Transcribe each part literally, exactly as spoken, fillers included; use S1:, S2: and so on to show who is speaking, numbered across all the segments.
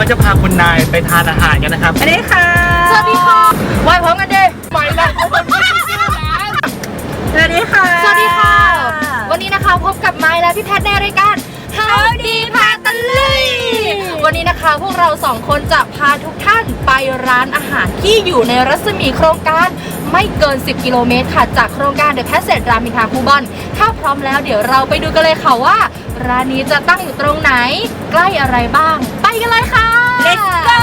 S1: จะพาคุณนายไปทานอาหารกันนะครับสวัสดีค่ะ
S2: สวัสดีค่ะไหวพร้อมกันดิ
S1: ไปแล้วเขาเป็นผู้ชื่อร้าน
S2: สวัสดีค่ะสวัสดีค่ะวันนี้นะคะพบกับไม้และพี่แพทในรายการ How ดีพาตะลุยวันนี้นะคะพวกเราสองคนจะพาทุกท่านไปร้านอาหารที่อยู่ในรัศมีโครงการไม่เกินสิบกิโลเมตรค่ะจากโครงการ The Passage รามอินทราคูบอนถ้าพร้อมแล้วเดี๋ยวเราไปดูกันเลยค่ะว่าร้านนี้จะตั้งอยู่ตรงไหนใกล้อะไรบ้างไปกันเลยค่ะ Let's go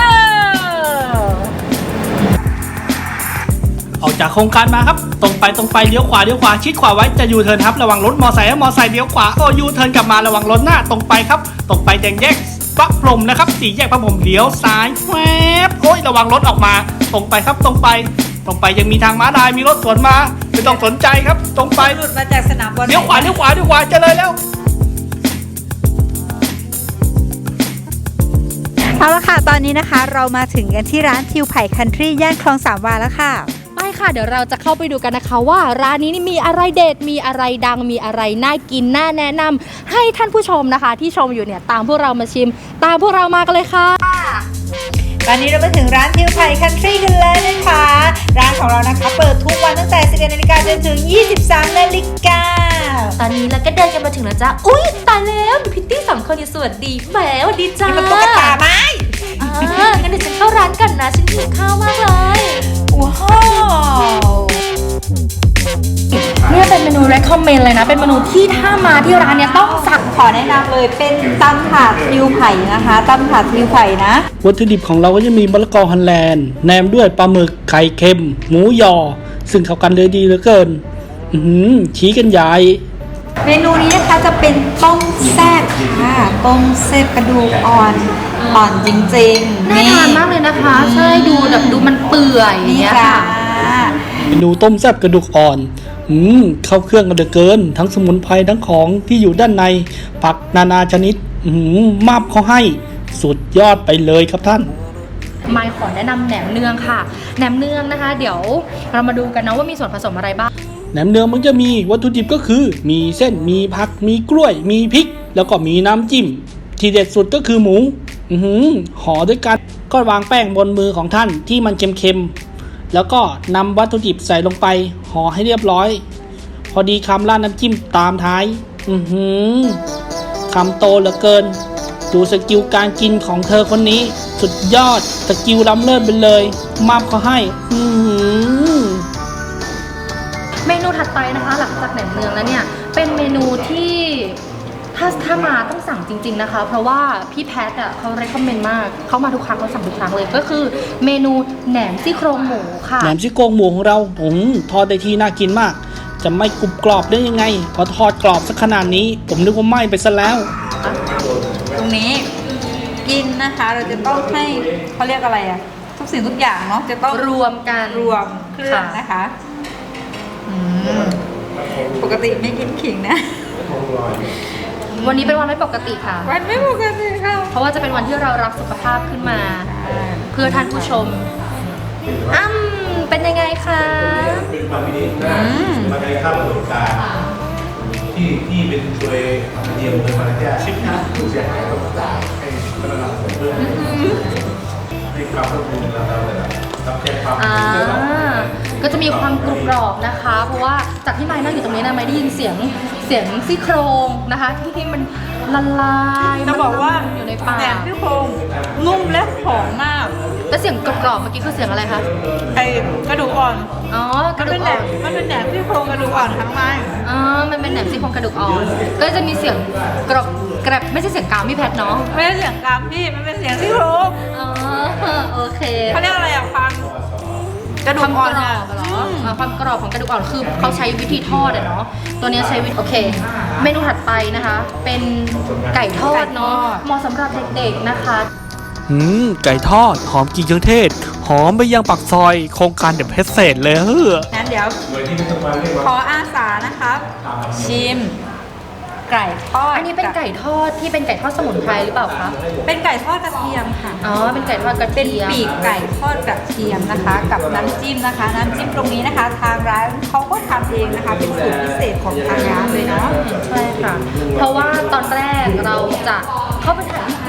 S1: ออกจากโครงการมาครับตรงไปตรงไปเลี้ยวขวาเลี้ยวขวาชิดขวาไว้จะยูเทิร์นครับระวังรถมอไซค์มอไซค์เลี้ยวขวาโอ้ยูเทิร์นกลับมาระวังรถหน้าตรงไปครับตรงไปแดงแยกพระพรหมนะครับสี่แยกพระพรหมเลี้ยวซ้ายแวบโอ้ยระวังรถออกมาตรงไปครับตรงไปตรงไปยังมีทางม้าลายมีรถสวนมาไม่ต้องสนใจครับตรงไป
S2: หลุดมาจากสนามบอล
S1: เลี้ยวขวาเลี้ยวขวาเลี้ยวขวาจะเลยแล้ว
S3: เอาละค่ะตอนนี้นะคะเรามาถึงกันที่ร้านทิวไผ่คันทรีย่านคลองสามวาแล้วค่ะ
S2: ไปค่ะเดี๋ยวเราจะเข้าไปดูกันนะคะว่าร้านนี้นี่มีอะไรเด็ดมีอะไรดังมีอะไรน่ากินน่าแนะนำให้ท่านผู้ชมนะคะที่ชมอยู่เนี่ยตามพวกเรามาชิมตามพวกเรามากันเลยค่ะ
S3: ตอนนี้เรามาถึงร้านทิวไผ่คันทรีกันแล้วนะคะร้านของเรานะคะเปิดทุกวันตั้งแต่สิบเอ็ดนาฬิกาจนถึงยี่สิบสามนาฬิกา
S2: ตอนนี้เราก็เดินกันมาถึงแล้วจ้าอุ้ยตายแล้วพิตตี้สองคนอยู่สวัสดีแหมสวัสดีจ้า
S3: นี่มันตุ๊กตาไหม
S2: อ่างั้นเดี๋ยวฉันเข้าร้านกันนะฉันหิวข้าวมากเลย
S3: ว้าว
S2: เนี่ยเป็นเมนู recommend เลยนะเป็นเมนูที่ถ้ามาที่ร้านเนี่ยต้องสั่ง
S3: ขอแนะนำเลยเป็นตำถาดทิวไผ่นะคะตำถาดทิวไผ่นะ
S1: วัตถุดิบของเราก็จะมีมะละกอฮันแลนด์แหนมด้วยปลาหมึกไข่เค็มหมูยอซึ่งเข้ากันเลยดีเหลือเกินอือชี้กันใหญ่
S3: เมนูนี้นะคะจะเป็นต้มแซ่บค่ะต้มแซ่บกระดูกอ่อนอ่อนจริงๆ
S2: น่าทานมากเลยนะคะใช่ดูแบบดูมันเปื่อยอย่างเงี้ยค่ะ
S1: เมนูต้มแซ่บกระดูกอ่อนอืมเข้าเครื่องกันเหลือเกินทั้งสมุนไพรทั้งของที่อยู่ด้านในผักนานาชนิดอืมมาบเขาให้สุดยอดไปเลยครับท่าน
S2: ไมค์ขอแนะนำแหนมเนืองค่ะแหนมเนืองนะคะเดี๋ยวเรามาดูกันนะว่ามีส่วนผสมอะไรบ้าง
S1: แหนมเนืองมันจะมีวัตถุดิบก็คือมีเส้นมีผักมีกล้วยมีพริกแล้วก็มีน้ำจิ้มที่เด็ดสุดก็คือหมูอือหือห่อด้วยกันก็วางแป้งบนมือของท่านที่มันเค็มๆแล้วก็นำวัตถุดิบใส่ลงไปห่อให้เรียบร้อยพอดีคำราดน้ำจิ้มตามท้ายอือหือคำโตเหลือเกินดูสกิลการกินของเธอคนนี้สุดยอดสกิลล้ำเลิศไปเลยมาบเขาให้อือหือ
S2: เมนูถัดไปนะคะหลังจากแหนมเนืองแล้วเนี่ยเป็นเมนูที่ถ้าถ้ามาต้องสั่งจริงๆนะคะเพราะว่าพี่แพทอ่ะเขาเรคคอมเมนต์มากเขามาทุกครั้งเขาสั่งทุกครั้งเลยก็คือเมนูแหนมซี่โครงหมูค่ะ
S1: แหนมซี่โครงหมูของเราอืมทอดได้ที่น่ากินมากจะไม่กรุบกรอบได้ยังไงพอทอดกรอบสักขนาดนี้ผมนึกว่าไหม้ไปซะแล้ว
S3: ตรงนี้กินนะคะเราจะต้องให้เขาเรียกอะไรอ่ะทุกสิ่งทุกอย่างเนาะจะต้อง
S2: รวมกัน
S3: รวมเครื่องนะคะปกติไม่กินขิงนะ
S2: วันนี้เป็นวันไม่ปกติค่ะ
S3: วันไม่ปกติค่ะ
S2: เพราะว่าจะเป็นวันที่เรารักสุขภาพขึ้นมาเพื่อท่านผู้ชมอ้ำเป็นยังไงคะ
S4: เป็นความดีนะมาในข้าวประสบการณ์ที่ที่เป็นตัวเดียวเลยมาแก้ชิปนะผู้เสียหายก็จ่ายให้พนักงานเพื่อให้ความร่วมมือเราเราเลยรับแจ้งความ
S2: ก็จะมีความกรุบกรอบนะคะเพราะว่าจากที่ไม้นั่งอยู่ตรงนี้นะไม้ได้ยินเสียงเสียงซี่โครงนะคะที่ที่มันละลาย
S3: จะบอกว่า
S2: อยู่ในปาก
S3: แหนมซี่โครงนุ่มและหอมมาก
S2: แล้วเสียงกรอบๆเมื่อกี้คือเสียงอะไรคะ
S3: ไอ้กระดูกอ่อน
S2: อ๋อกระดูกอ่อน
S3: มันเป็นแหนมซี่โครงกระดูกอ่อนทั้งไม้
S2: อ๋อมันเป็นแหนมซี่โครงกระดูกอ่อนก็จะมีเสียงกรอบกระบไม่ใช่เสียงกามพี่แพทเนาะ
S3: ไม่ใช่เสียงกามพี่มันเป็นเสียงซี่โครง
S2: อ๋อโอเค
S3: เขาเรียกอะไรอ่ะฟัง
S2: กระดูกอ่อนเหรอความกรอบของกระดูกอ่อนคือเขาใช้วิธีทอดอะเนาะตัวนี้ใช้วิธีโอเคเมนูถัดไปนะคะเป็นไก่ทอดเนาะเหมาะสำหรับเด็กๆนะคะ
S1: อืมไก่ทอดหอมกลิ่นเครื่องเทศหอมไปยังปากซอยโครงการเดอะเพชรเศษเลยเฮ้อ
S3: งั้นเดี๋ยวขออาสานะคะชิมไก่ทอด
S2: อันนี้เป็นไก่ทอดที่เป็นไก่ทอดสมุนไพรหรือเปล่าคะ
S3: เป็นไก่ทอดกระเทียมค่ะ
S2: อ๋อเป็นไก่ทอดกระเทียม
S3: เป็นปีกไก่ทอดกระเทียมนะคะกับน้ำจิ้มนะคะน้ำจิ้มตรงนี้นะคะทางร้านเขาก็ทำเองนะคะเป็นสูตรพิเศษของทางร้านเลยเนาะ
S2: ใช่ค่ะเพราะว่าตอนแรกเราจะเข้าไปถ่ายที่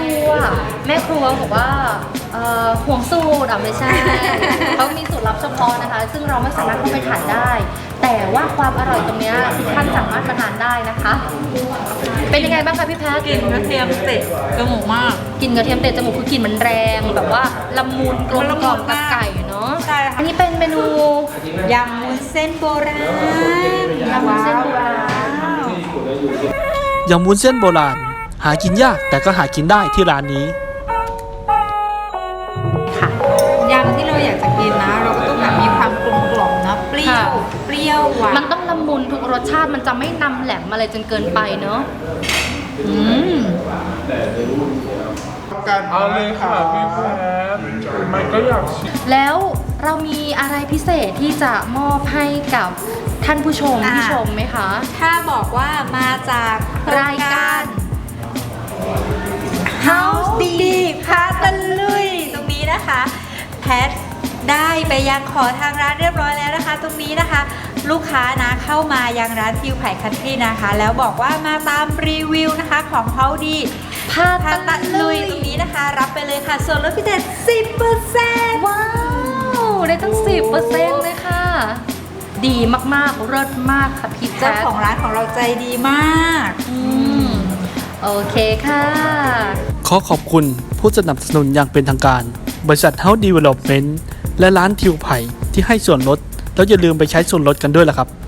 S2: รัวแม่ครัวบอกว่าเอ่อห่วงสูตรอ่ะไม่ใช่ เขามีสูตรลับเฉพาะนะคะ ซึ่งเราไม่สามารถเข้าไปถ่ายได้ แต่ว่าความอร่อยตรงเนี้ยทุกท่านสามารถมาทานได้นะคะ เป็นยังไงบ้างคะพี่แพท
S3: กลิ่นกระเทียมเตะจมูกมาก
S2: กลิ่นกระเทียมเตะจมูกคือกลิ่นมันแรงแบบว่าละมุนกลมกล่อมกับไก่เนาะ
S3: ใช่ค่ะ
S2: อันนี้เป็นเมนู
S3: ยำวุ้นเส้นโบราณ
S2: ยำวุ้นเส้นโบราณ
S1: ยำวุ้นเส้นโบราณ หากินยากแต่ก็หากินได้ที่ร้านนี้
S2: ค่ะ
S3: ยำที่เราอยากจะกินนะ เราก็ต้องแบบมีความกลมกล่อมนะเปรี้ยว
S2: ค่ะ
S3: เปรี้ยวหวาน
S2: มันต้องละมุนทุกรสชาติมันจะไม่นำแหลมอะไรจนเกินไปเนาะ
S3: อืม
S5: เอาเลยค่ะพี่แพทมันก็อยากชิม
S2: แล้วเรามีอะไรพิเศษที่จะมอบให้กับท่านผู้ชม
S3: อ่า
S2: ที่ชมไหมคะ
S3: ถ้าบอกว่ามาจากโค
S2: รายการ
S3: House ดีพาตะลุยตรงนี้นะคะ แพทได้ไปยังขอทางร้านเรียบร้อยแล้วนะคะ ตรงนี้นะคะ ลูกค้านะเข้ามายังร้านทิวไผ่คันทรีนะคะ แล้วบอกว่ามาตามรีวิวนะคะของ House ดี
S2: พา
S3: พาตะลุยตรงนี้นะคะ รับไปเลยค่ะส่วนลดพิเศษ สิบเปอร์เซ็นต์
S2: ว้าว ได้ตั้ง สิบเปอร์เซ็นต์ เลยค่ะ ดีมากๆเลิศมากค่ะพี่แพ
S3: เจ้า
S2: ท
S3: ของร้านของเราใจดีมาก
S2: อืมโอเคค่ะ
S1: ขอขอบคุณผู้สนับสนุนอย่างเป็นทางการ บริษัท House Development และร้านทิวไผ่ที่ให้ส่วนลด แล้วอย่าลืมไปใช้ส่วนลดกันด้วยล่ะครับ